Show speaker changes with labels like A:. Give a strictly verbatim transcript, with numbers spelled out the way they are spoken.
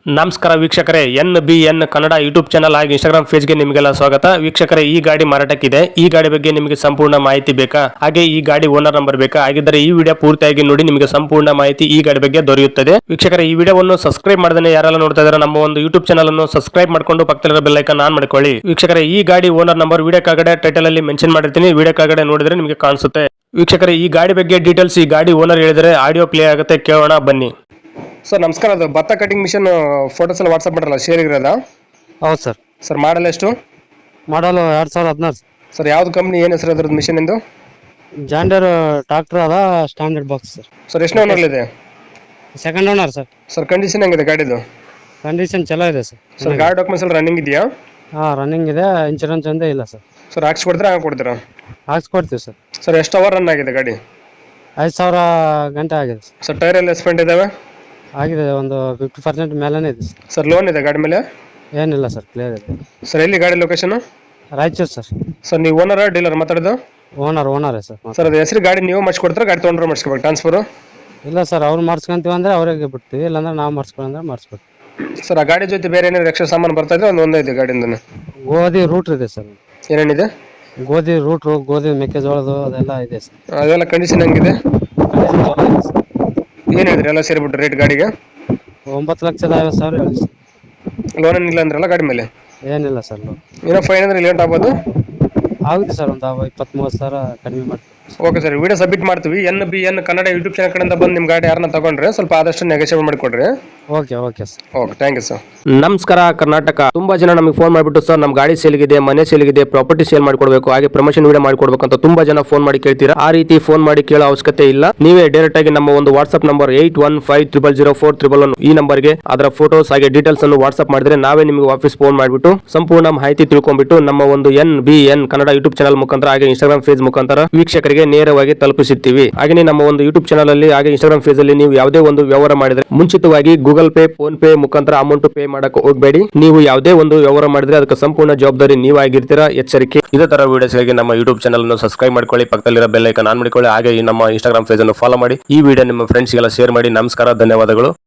A: ನಮಸ್ಕಾರ ವೀಕ್ಷಕರೇ, N B N Kannada YouTube channel ಹಾಗೆ ಇನ್ಸ್ಟಾಗ್ರಾಮ್ ಪೇಜ್ಗೆ ನಿಮಗೆಲ್ಲ ಸ್ವಾಗತ. ವೀಕ್ಷಕರೇ, ಈ ಗಾಡಿ ಮಾರಾಟಕ್ಕಿದೆ. ಈ ಗಾಡಿ ಬಗ್ಗೆ ನಿಮಗೆ ಸಂಪೂರ್ಣ ಮಾಹಿತಿ ಬೇಕಾ, ಹಾಗೆ ಈ ಗಾಡಿ ಓನರ್ ನಂಬರ್ ಬೇಕಾ? ಹಾಗಿದ್ದರೆ ಈ ವಿಡಿಯೋ ಪೂರ್ತಿಯಾಗಿ ನೋಡಿ, ನಿಮಗೆ ಸಂಪೂರ್ಣ ಮಾಹಿತಿ ಈ ಗಾಡಿ ಬಗ್ಗೆ ದೊರೆಯುತ್ತದೆ. ವೀಕ್ಷಕರೇ, ಈ ವಿಡಿಯೋವನ್ನು ಸಬ್ಸ್ಕ್ರೈಬ್ ಮಾಡದೇ ಯಾರೆಲ್ಲ ನೋಡ್ತಾ ಇದ್ದಾರೆ ನಮ್ಮ ಒಂದು ಯೂಟ್ಯೂಬ್ ಚಾನಲ್ ಅನ್ನು ಸಬ್ಸ್ಕ್ರೈಬ್ ಮಾಡ್ಕೊಂಡು ಪಕ್ಕದಲ್ಲಿರೋ ಬೆಲ್ ಐಕಾನ್ ಆನ್ ಮಾಡ್ಕೊಳ್ಳಿ. ವೀಕ್ಷಕರೇ, ಈ ಗಾಡಿ ಓನರ್ ನಂಬರ್ ವಿಡಿಯೋ ಕೆಳಗಡೆ ಟೈಟಲ್ ಅಲ್ಲಿ ಮೆನ್ಷನ್ ಮಾಡಿರ್ತೀನಿ, ವಿಡಿಯೋ ಕೆಳಗಡೆ ನೋಡಿದ್ರೆ ನಿಮಗೆ ಕಾಣಿಸುತ್ತೆ. ವೀಕ್ಷಕರೇ, ಈ ಗಾಡಿ ಬಗ್ಗೆ ಡೀಟೇಲ್ಸ್ ಈ ಗಾಡಿ ಓನರ್ ಹೇಳಿದರೆ ಆಡಿಯೋ ಪ್ಲೇ ಆಗುತ್ತೆ, ಕೇಳೋಣ ಬನ್ನಿ. ಸರ್ ನಮಸ್ಕಾರ, ಅದು ಭತ್ತ ಕಟಿಂಗ್ ಮಿಷನ್ ಫೋಟೋಸ್ ಎಲ್ಲ ವಾಟ್ಸಪ್ ಮಾಡಲ್ಲ, ಶೇರ್ ಇರೋದಾ?
B: ಹೌದು ಸರ್.
A: ಸರ್ ಮಾಡಲ್ ಎಷ್ಟು?
B: ಮಾಡಲು ಎರಡು ಸಾವಿರದ ಹದಿನಾರು
A: ಸರ್ ಯಾವ್ದು ಕಂಪ್ನಿ, ಏನು ಹೆಸರು ಅದ್ರದ್ದು ಮಿಷನ್ ಎಂದು?
B: ಜಾಂಡರ್ ಟ್ರಾಕ್ಟರ್ ಅದ, ಸ್ಟ್ಯಾಂಡರ್ಡ್ ಬಾಕ್ಸ್ ಸರ್.
A: ಸರ್ ಎಷ್ಟು ಓನರ್ ಇದೆ?
B: Second owner sir.
A: Sir condition ಹೆಂಗಿದೆ ಗಾಡಿದು?
B: ಕಂಡೀಷನ್ ಚಲೋ ಇದೆ ಸರ್.
A: ಸರ್ ಗಾಡಿ ಡಾಕ್ಯುಮೆಂಟ್ಸ್ ಎಲ್ಲ ರನ್ನಿಂಗ್ ಇದೆಯಾ?
B: ಹಾಂ, ರನ್ನಿಂಗ್ ಇದೆ. ಇನ್ಶೂರೆನ್ಸ್ ಒಂದೇ ಇಲ್ಲ ಸರ್.
A: ಸರ್ ಹಾಕ್ಸ್ಕೊಡ್ತೀರಾ ಹಾಗೆ ಕೊಡ್ತೀರಾ?
B: ಹಾಕ್ಸ್ಕೊಡ್ತೀವಿ ಸರ್.
A: ಸರ್ ಎಷ್ಟು ಅವರ್ ರನ್ ಆಗಿದೆ ಗಾಡಿ?
B: ಐದು ಸಾವಿರ ಗಂಟೆ ಆಗಿದೆ ಸರ್.
A: ಸರ್ ಟೈರ್ ಎಲ್ಲ ಎಸ್ಪೆಂಟ್ ಇದಾವೆ?
B: ಆಗಿದೆ, ಒಂದು ಫಿಫ್ಟಿ ಪರ್ಸೆಂಟ್ ಮೇಲೇ ಇದೆ ಸರ್.
A: ಸರ್ ಲೋನ್ ಇದೆ ಗಾಡಿ ಮೇಲೆ?
B: ಏನಿಲ್ಲ ಸರ್, ಕ್ಲಿಯರ್ ಇದೆ.
A: ಸರ್ ಎಲ್ಲಿ ಗಾಡಿ ಲೊಕೇಶನ್?
B: ರಾಯಚೂರು ಸರ್.
A: ಸರ್ ನೀವು ಓನರ್ ಡೀಲರ್ ಮಾತಾಡೋದು?
B: ಓನರ್ ಓನರೇ ಸರ್.
A: ಸರ್ ಅದು ಹೆಸರು ಗಾಡಿ ನೀವು ಮಾಡಿಸ್ಕೊಡ್ತಾರೆ, ಗಾಡಿ ತೊಗೊಂಡ್ರೆ ಮಾಡಿಸ್ಕೋಬೇಕು ಟ್ರಾನ್ಸ್ಫರು?
B: ಇಲ್ಲ ಸರ್, ಅವ್ರು ಮಾಡಿಸ್ಕೊಂತೀವಿ ಅಂದರೆ ಅವ್ರಿಗೆ ಬಿಡ್ತೀವಿ, ಇಲ್ಲಾಂದ್ರೆ ನಾವು ಮಾಡಿಸ್ಕೊಂಡ್ರೆ ಮಾಡಿಸ್ಬೇಕು.
A: ಸರ್ ಆ ಗಾಡಿ ಜೊತೆ ಬೇರೆ ಏನೇನು ಎಕ್ಸ್ಟ್ರಾ ಸಾಮಾನು ಬರ್ತಾ ಇದೆ? ಒಂದು ಒಂದೇ ಇದೆ ಗಾಡಿಯಿಂದ?
B: ಗೋಧಿ ರೂಟ್ ಇದೆ ಸರ್.
A: ಏನೇನಿದೆ?
B: ಗೋಧಿ ರೂಟ್ರು, ಗೋಧಿ ಮೆಕ್ಕೆಜೋಳದು ಅದೆಲ್ಲ ಇದೆ ಸರ್.
A: ಅದೆಲ್ಲ ಕಂಡೀಷನ್ ಹೆಂಗಿದೆ?
B: ಕಂಡೀಷನ್ ಚಲೋ ಇದೆ ಸರ್.
A: ಏನು ಹೇಳಿದ್ರಿ ಎಲ್ಲ ಸೇರಿಬಿಟ್ಟು ರೇಟ್ ಗಾಡಿಗೆ?
B: ಒಂಬತ್ತು ಲಕ್ಷದ ಐವತ್ತು ಸಾವಿರ ಹೇಳಿ ಸರ್.
A: ಲೋನ್ ಏನಿಲ್ಲ ಅಂದ್ರಲ್ಲ ಗಾಡಿ ಮೇಲೆ?
B: ಏನಿಲ್ಲ ಸರ್, ಲೋನ್
A: ಏನೋ ಫೈನ್ ಅಂದ್ರೆ ಲೇಟ್ ಆಗ್ಬೋದು?
B: ಆಗುತ್ತೆ ಸರ್, ಒಂದು ಇಪ್ಪತ್ತ್ ಮೂವತ್ತು ಸಾವಿರ ಕಡಿಮೆ ಮಾಡ್ತೀವಿ.
A: ಓಕೆ ಸರ್, ವಿಡಿಯೋ ಸಬ್ಮಿಟ್ ಮಾಡ್ತೀವಿ. N B N Kannada YouTube channel ಕಡೆಯಿಂದ ಬಂದು ನಿಮ್ಮ ಗಾಡಿ ಯಾರನ್ನ ತಗೊಂಡ್ರೆ ಸ್ವಲ್ಪ ಆದಷ್ಟು ನೆಗೋಷಿಯೇಟ್ ಮಾಡಿಕೊಡ್ರಿ.
B: Okay okay sir.
A: Okay, thank you sir.
C: ನಮಸ್ಕಾರ ಕರ್ನಾಟಕ. ತುಂಬಾ ಜನ ನಮಗೆ ಫೋನ್ ಮಾಡಿಬಿಟ್ಟು ಸರ್ ನಮ್ಮ ಗಾಡಿ ಸೇಲ್ಗಿದೆ, ಮನೆ ಸೇಲ್ಗಿದೆ, ಪ್ರಾಪರ್ಟಿ ಸೇಲ್ ಮಾಡ್ಕೊಡ್ಬೇಕು, ಹಾಗೆ ಪ್ರಮೋಷನ್ ವಿಡಿಯೋ ಮಾಡ್ಕೊಡ್ಬೇಕು ಅಂತ ತುಂಬಾ ಜನ ಫೋನ್ ಮಾಡಿ ಕೇಳ್ತೀರಾ. ಆ ರೀತಿ ಫೋನ್ ಮಾಡಿ ಕೇಳೋ ಅವಶ್ಯಕತೆ ಇಲ್ಲ. ನೀವೇ ಡೈರೆಕ್ಟ್ ಆಗಿ ನಮ್ಮ ಒಂದು WhatsApp number eight one five triple zero four triple one ಈ ನಂಬರ್ಗೆ ಅದರ ಫೋಟೋಸ್ ಹಾಗೆ ಡೀಟೇಲ್ಸ್ ಅನ್ನು ವಾಟ್ಸ್ಆಪ್ ಮಾಡಿದ್ರೆ ನಾವೇ ನಿಮಗೆ ವಾಪಸ್ ಫೋನ್ ಮಾಡಿಬಿಟ್ಟು ಸಂಪೂರ್ಣ ಮಾಹಿತಿ ತಿಳ್ಕೊಂಡ್ಬಿಟ್ಟು ನಮ್ಮ ಒಂದು N B N Kannada YouTube channel ಮುಖಾಂತರ ಹಾಗೆ ಇನ್ಸ್ಟಾಗ್ರಾಮ್ ಪೇಜ್ ಮುಖಾಂತರ ವೀಕ್ಷಕರಿಗೆ ನೇರವಾಗಿ ತಲುಪಿಸುತ್ತೀವಿ. ಹಾಗೆ ನಮ್ಮ ಒಂದು ಯೂಟ್ಯೂಬ್ ಚಾನಲ್ ಅಲ್ಲಿ ಹಾಗೆ ಇನ್ಸ್ಟಾಗ್ರಾಮ್ ಪೇಜ್ ಅಲ್ಲಿ ನೀವು ಯಾವುದೇ ಒಂದು ವ್ಯವಹಾರ ಮಾಡಿದ್ರೆ ಮುಂಚಿತವಾಗಿ ಗೂಗಲ್ ಪೇ, ಫೋನ್ ಪೇ ಮುಖಾಂತರ ಅಮೌಂಟ್ ಪೇ ಮಾಡಕ್ಕೆ ಹೋಗಬೇಡಿ. ನೀವು ಯಾವುದೇ ಒಂದು ವ್ಯವಹಾರ ಮಾಡಿದ್ರೆ ಅದಕ್ಕೆ ಸಂಪೂರ್ಣ ಜವಾಬ್ದಾರಿ ನೀವಾಗಿರ್ತೀರಾ, ಎಚ್ಚರಿಕೆ. ಇದೇ ತರ ವಿಡಿಯೋಸ್ಗಾಗಿ ನಮ್ಮ ಯೂಟ್ಯೂಬ್ ಚಾನಲ್ ಅನ್ನು ಸಬ್ಸ್ಕ್ರೈಬ್ ಮಾಡ್ಕೊಳ್ಳಿ, ಪಕ್ಕದಲ್ಲಿರೋ ಬೆಲ್ ಐಕಾನ್ ಆನ್ ಮಾಡಿಕೊಳ್ಳಿ, ಹಾಗೆ ನಮ್ಮ ಇನ್ಸ್ಟಾಗ್ರಾಮ್ ಪೇಜ್ ಅನ್ನು ಫಾಲೋ ಮಾಡಿ. ಈ ವಿಡಿಯೋ ನಿಮ್ಮ ಫ್ರೆಂಡ್ಸ್ಗೆಲ್ಲ ಶೇರ್ ಮಾಡಿ. ನಮಸ್ಕಾರ, ಧನ್ಯವಾದಗಳು.